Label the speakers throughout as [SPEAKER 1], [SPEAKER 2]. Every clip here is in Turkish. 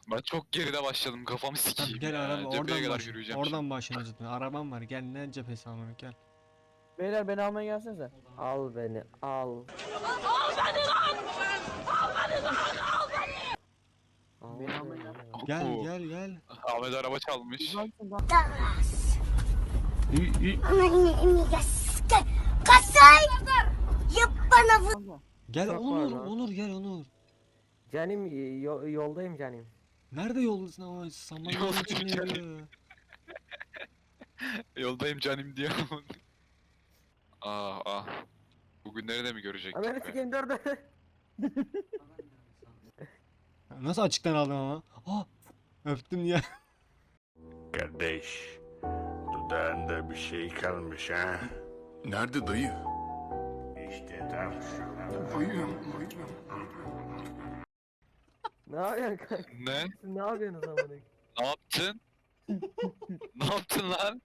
[SPEAKER 1] Ben çok geride başladım, kafamı
[SPEAKER 2] Tamam
[SPEAKER 1] sikeyim
[SPEAKER 2] gel
[SPEAKER 1] ya.
[SPEAKER 2] araba
[SPEAKER 1] Cepheye
[SPEAKER 2] oradan
[SPEAKER 1] kadar
[SPEAKER 2] başla.
[SPEAKER 1] yürüyeceğim
[SPEAKER 2] Oradan
[SPEAKER 1] şimdi.
[SPEAKER 2] başlayacağız. Arabam var. Gel ne cephesi amına gel.
[SPEAKER 3] Beyler beni almaya gelsenize. Al beni al. Beni almaya gelsene.
[SPEAKER 2] Gel
[SPEAKER 1] Oo,
[SPEAKER 2] gel gel.
[SPEAKER 1] Ahmet araba çalmış.
[SPEAKER 2] Gel
[SPEAKER 3] Çok var
[SPEAKER 2] Onur,
[SPEAKER 3] lan.
[SPEAKER 2] Onur gel Onur.
[SPEAKER 3] Canim yoldayım canim.
[SPEAKER 2] Nerede yoldasın ama saman
[SPEAKER 1] Yoldayım
[SPEAKER 2] içinde
[SPEAKER 1] canım.
[SPEAKER 2] ya.
[SPEAKER 1] Yoldayım canım diyor. Ah. Bugünleri de mi görecektik
[SPEAKER 3] Amerika
[SPEAKER 1] be?
[SPEAKER 3] sikeyim dur.
[SPEAKER 2] Nasıl açıktan aldın ama? Ah öptüm ya.
[SPEAKER 4] Kardeş, dudağında bir şey kalmış ha?
[SPEAKER 5] Nerede dayı?
[SPEAKER 4] İşte tam şurada.
[SPEAKER 3] Ne yapıyorsun kanka?
[SPEAKER 1] Ne?
[SPEAKER 3] Siz ne yapıyorsunuz amına?
[SPEAKER 1] Ne yaptın? Ne yaptın lan?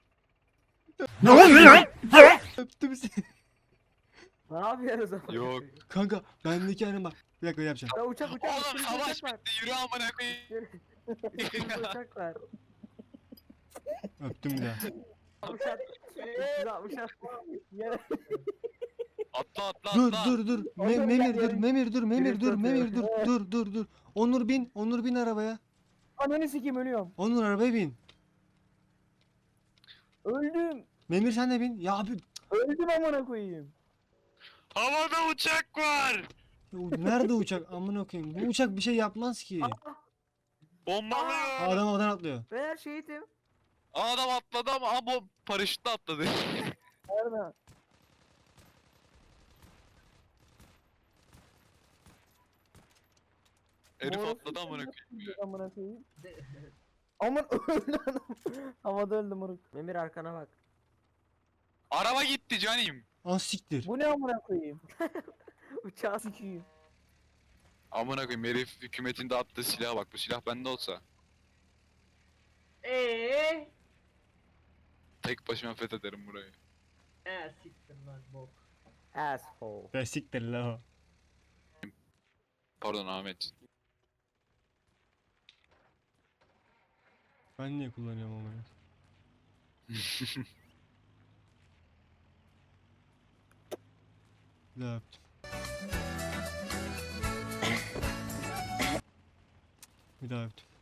[SPEAKER 2] Öptüm seni.
[SPEAKER 3] Ne yapıyorsunuz amına?
[SPEAKER 1] Yok.
[SPEAKER 2] Kanka bendeki halim bak. Bir dakika yapacağım.
[SPEAKER 3] Ya uçak
[SPEAKER 1] Oğlum
[SPEAKER 3] sürücü
[SPEAKER 1] savaş
[SPEAKER 3] uçak var.
[SPEAKER 1] bitti, yürü amına koyayım.
[SPEAKER 3] Sürücü uçak var.
[SPEAKER 2] Öptüm bir daha.
[SPEAKER 3] Uçak. 360 Yere.
[SPEAKER 1] Atla
[SPEAKER 2] Dur
[SPEAKER 1] atla.
[SPEAKER 2] dur dur.
[SPEAKER 3] Onur
[SPEAKER 2] Memir
[SPEAKER 3] gel
[SPEAKER 2] dur,
[SPEAKER 3] ya.
[SPEAKER 2] Memir dur, Memir
[SPEAKER 3] Drift
[SPEAKER 2] dur,
[SPEAKER 3] atıyor.
[SPEAKER 2] Memir dur. Dur. Onur bin arabaya.
[SPEAKER 3] Ananı sikeyim ölüyorum.
[SPEAKER 2] Onur arabaya bin.
[SPEAKER 3] Öldüm.
[SPEAKER 2] Memir sen de bin. Ya abi
[SPEAKER 3] Öldüm amına koyayım.
[SPEAKER 1] Havada uçak var.
[SPEAKER 2] nerede uçak? Amına koyayım. Bu uçak bir şey yapmaz ki.
[SPEAKER 1] Bombalıyor.
[SPEAKER 2] Adam havadan atlıyor.
[SPEAKER 3] Beyler şehitim.
[SPEAKER 1] Adam atladı ama bu paraşütle atladı.
[SPEAKER 3] Nerede?
[SPEAKER 1] Herif
[SPEAKER 3] Orası
[SPEAKER 1] atladı amına koyayım.
[SPEAKER 3] Amına koyayım. Aman öldü adam. Havada öldü moruk. Memir arkana bak.
[SPEAKER 1] Araba gitti canim.
[SPEAKER 2] An siktir.
[SPEAKER 3] Bu ne amına koyayım? Uçağı sikeyim.
[SPEAKER 1] Amına koyayım, herif hükümetin de attığı silaha bak, bu silah bende olsa tek başıma fethederim burayı.
[SPEAKER 3] Siktir lan bok. Asshole.
[SPEAKER 2] Be siktir la o.
[SPEAKER 1] Pardon Ahmet.
[SPEAKER 2] Ben niye kullanıyorum ama ya? Bir daha öptüm. Bir daha öptüm.